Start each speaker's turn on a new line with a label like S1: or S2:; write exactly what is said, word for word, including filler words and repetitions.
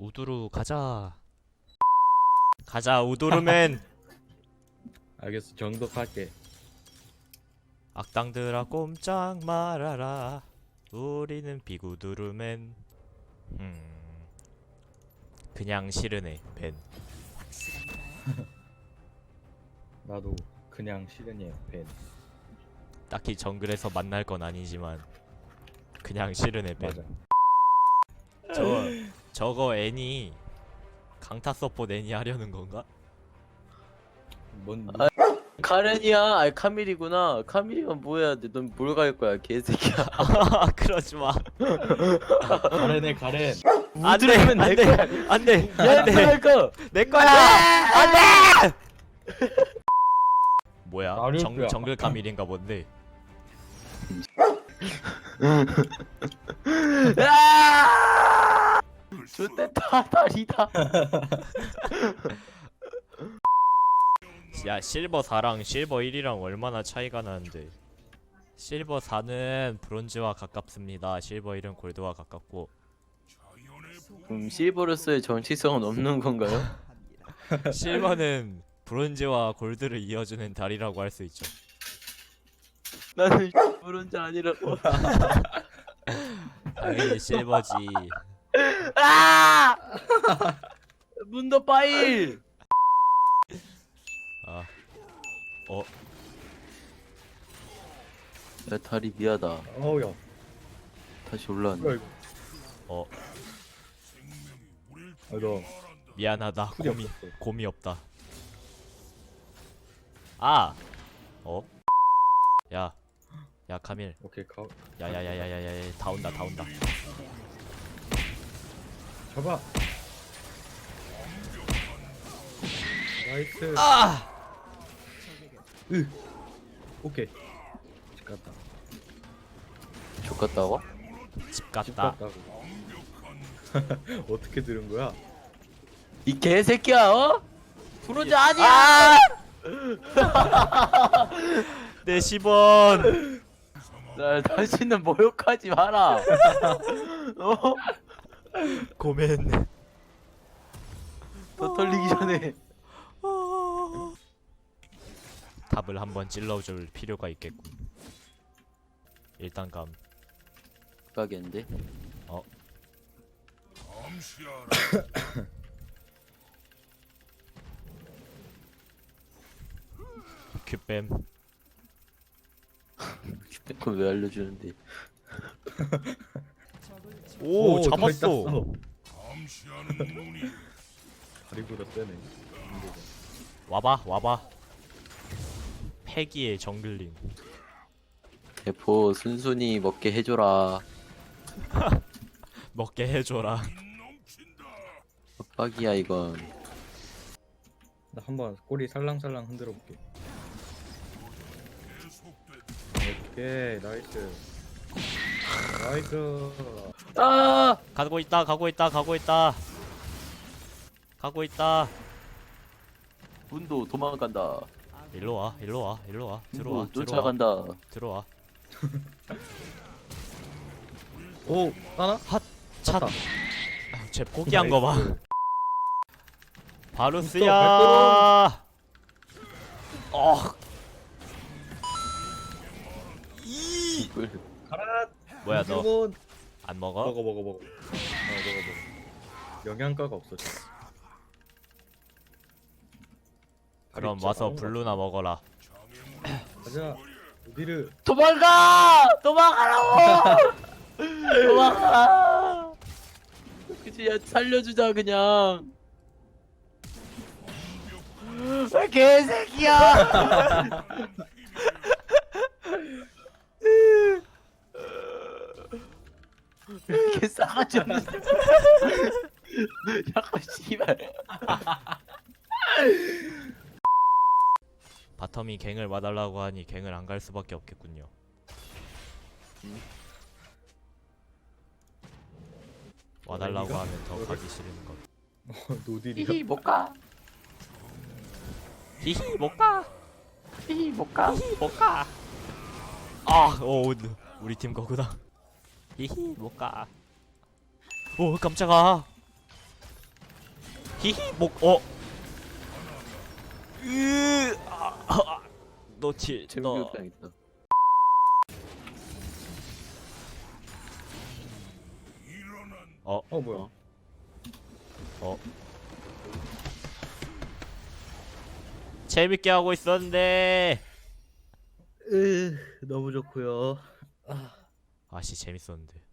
S1: 우두루 가자. 가자 우두루맨.
S2: 알겠어, 정독할게.
S1: 악당들아 꼼짝 말아라. 우리는 비구두루맨. 음. 그냥 싫으네 벤.
S2: 나도 그냥 싫으니 벤.
S1: 딱히 정글에서 만날 건 아니지만 그냥 싫으네 벤.
S2: 맞아.
S1: 저 저거 애니 강타 서포 애니 하려는 건가?
S2: 뭔
S3: 아, 카렌이야. 아니 카밀이구나. 카밀이면 뭐야? 넌 뭘 갈 거야, 개새끼야.
S1: 아 그러지 마.
S2: 가렌해 가렌.
S1: 안돼
S3: 우드르면 내
S1: 안돼
S3: 거야.
S1: 안돼
S3: 야,
S1: 안돼
S3: 할 거.
S1: 내 거야 안돼. 뭐야? 정
S2: 나루프야.
S1: 정글 카밀인가 본데.
S3: 아! 좋댔다 다리다.
S1: 야 실버 사랑 실버 일이랑 얼마나 차이가 나는데. 실버 사는 브론즈와 가깝습니다. 실버 일은 골드와 가깝고.
S3: 그럼 실버로서의 정치성은 없는 건가요?
S1: 실버는 브론즈와 골드를 이어주는 다리라고 할 수 있죠.
S3: 나는 그런 자 아니라고.
S1: 당연히 실버지.
S3: 아! 문도 파일.
S1: 아, 어,
S3: 야 다리 미하다.
S2: 어우야.
S3: 다시
S2: 뭐야
S3: 올라왔네.
S2: 이거?
S1: 어,
S2: 아, 너
S1: 미안하다.
S2: 풀이
S1: 곰이
S2: 없었어.
S1: 곰이 없다. 아, 어, 야, 야 카밀,
S2: 오케이 가.
S1: 야야야야야야, 다 온다, 다 온다.
S2: 잡아. 나이스.
S1: 아,
S2: 으. 오케이. 집 갔다.
S3: 족 같다고?
S1: 집
S2: 집
S1: 갔다.
S2: 갔다고. 어떻게 들은 거야?
S3: 이 개새끼야, 어? 브론즈 아니야!
S1: 내 십 원.
S3: 나 다시는 모욕하지 마라. 어?
S1: 고멘.
S3: 더 털리기 전에.
S1: 답을 한번 찔러줄 필요가 있겠군. 일단 감.
S3: 가겠는데?
S1: 어. 큐뱀.
S3: 그걸 왜 알려주는데?
S1: 오,
S2: 더
S1: 잡았어.
S2: 있었어. 다리보다 세네.
S1: 와봐, 와봐. 패기의 정글링.
S3: 대포 순순히 먹게 해줘라.
S1: 먹게 해줘라.
S3: 협박이야 이건.
S2: 나 한번 꼬리 살랑살랑 흔들어 볼게. 오케이 나이스. 나이스.
S3: 아!
S1: 가고 있다, 가고 있다, 가고 있다. 가고 있다.
S3: 문도 도망간다.
S1: 일로 와, 일로 와, 일로 와. 들어와,
S3: 문도
S1: 들어와,
S3: 쫓아간다.
S1: 들어와.
S2: 오 하나?
S1: 차.
S2: 찼다.
S1: 아, 쟤 포기한 거 봐.
S2: 나이스.
S1: 바루스야. 어. 이.
S3: 이걸
S2: 가라.
S1: 뭐야 너
S2: 이승훈.
S1: 안 먹어?
S2: 먹어 먹어 먹어. 어 먹어 먹어. 영양가가 없어 지금.
S1: 그럼
S2: 다리
S1: 와서
S2: 진짜
S1: 블루나 먹어라.
S2: 가자. 어디를?
S3: 도망가! 도망가라고! 도망가! 그치, 야, 살려주자, 그냥. 아, 개새끼야! 이렇게 싸가지 없는. 약간, 씨발.
S1: 바텀이 갱을 와달라고 하니 갱을 안 갈 수밖에 없겠군요.
S3: 음.
S1: 와달라고
S2: 이거?
S1: 하면 더 가기 싫은 것.
S2: 어, 노딜이야.
S3: 히히, 못 가.
S1: 히히 못 가.
S3: 히히, 못 가.
S1: 히히 못 가. 아, 오 우리 팀 거구나. 히히 못 가. 오 깜짝아. 히히 목 어. 으. 아, 아, 아. 놓치. 너.
S3: 재미없다 있다.
S1: 어.
S2: 어 뭐야?
S3: 어?
S1: 어. 재밌게 하고 있었는데.
S2: 으 너무 좋고요.
S1: 아씨 재밌었는데.